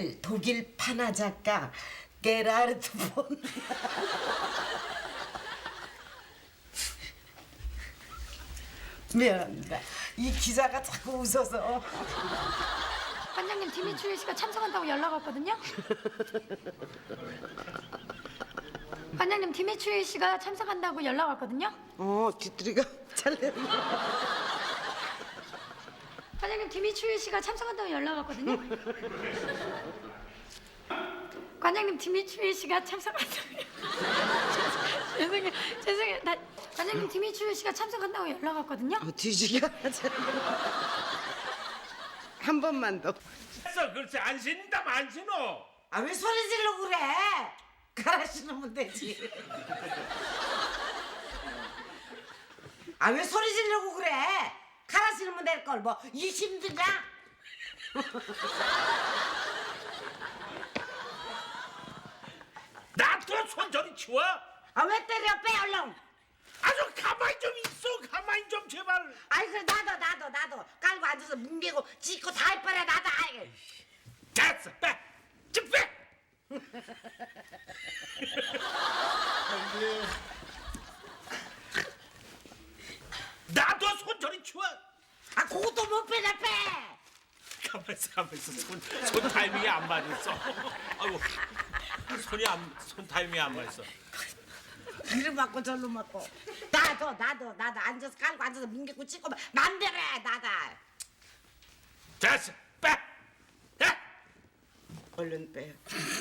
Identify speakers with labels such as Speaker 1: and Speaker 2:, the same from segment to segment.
Speaker 1: 독일 판화 작가 게라르트 본. 미안합니다. 이 기자가 자꾸 웃어서.
Speaker 2: 관장님 디미트리 씨가 참석한다고 연락 왔거든요. 관장님 디미트리 씨가 참석한다고 연락 왔거든요.
Speaker 1: 뒤뚜리가 잘려.
Speaker 2: 관장님 디미트리 씨가 참석한다고 연락 왔거든요. 관장님 디미트리 씨가 참석한다고. 죄송해요. 관장님 디미트리 씨가 참석한다고 연락 왔거든요.
Speaker 1: 뒤지가 한 번만 더.
Speaker 3: 됐어, 글쎄 안 신다면 안 신어.
Speaker 1: 아 왜 소리 지르고 그래? 갈아 신으면 되지. 아 왜 소리 지르고 그래? 갈아 신으면 될 걸 뭐 이 힘드냐?
Speaker 3: 나도 손 저리 치워.
Speaker 1: 아 왜 때려 빼 얼른.
Speaker 3: 아주 가만히 좀 있어. 가만히 좀 제발.
Speaker 1: 아이 그래 나도 깔고 앉아서 뭉개고 찢고 다 해봐라 나도. 아이.
Speaker 3: 됐어, 빼. 좀 빼. 나도 손 저리 치워.
Speaker 1: 아 그것도 못 빼냐 빼.
Speaker 3: 가만 있어. 손 타이밍이 안 맞았어. 아이고, 손 타이밍이 안 맞았어.
Speaker 1: 이리 맞고 절로 맞고. 나도 앉아서 깔고 앉아서 뭉개고 찢고 맘대로 해 나다.
Speaker 3: 됐어, 빼. 야.
Speaker 1: 얼른 빼.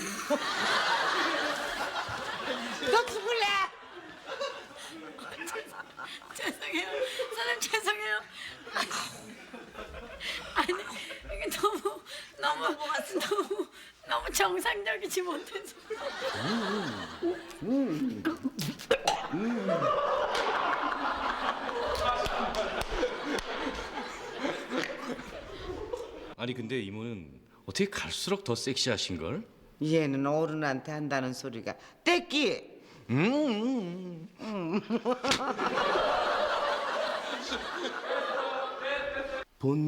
Speaker 1: 너 죽을래?
Speaker 2: 죄송해요. 사장님 죄송해요. 아니 이게 너무 정상적이지 못해서.
Speaker 4: 아니 근데 이모는 어떻게 갈수록 더 섹시하신 걸?
Speaker 1: 얘는 어른한테 한다는 소리가 떼끼.
Speaker 4: 본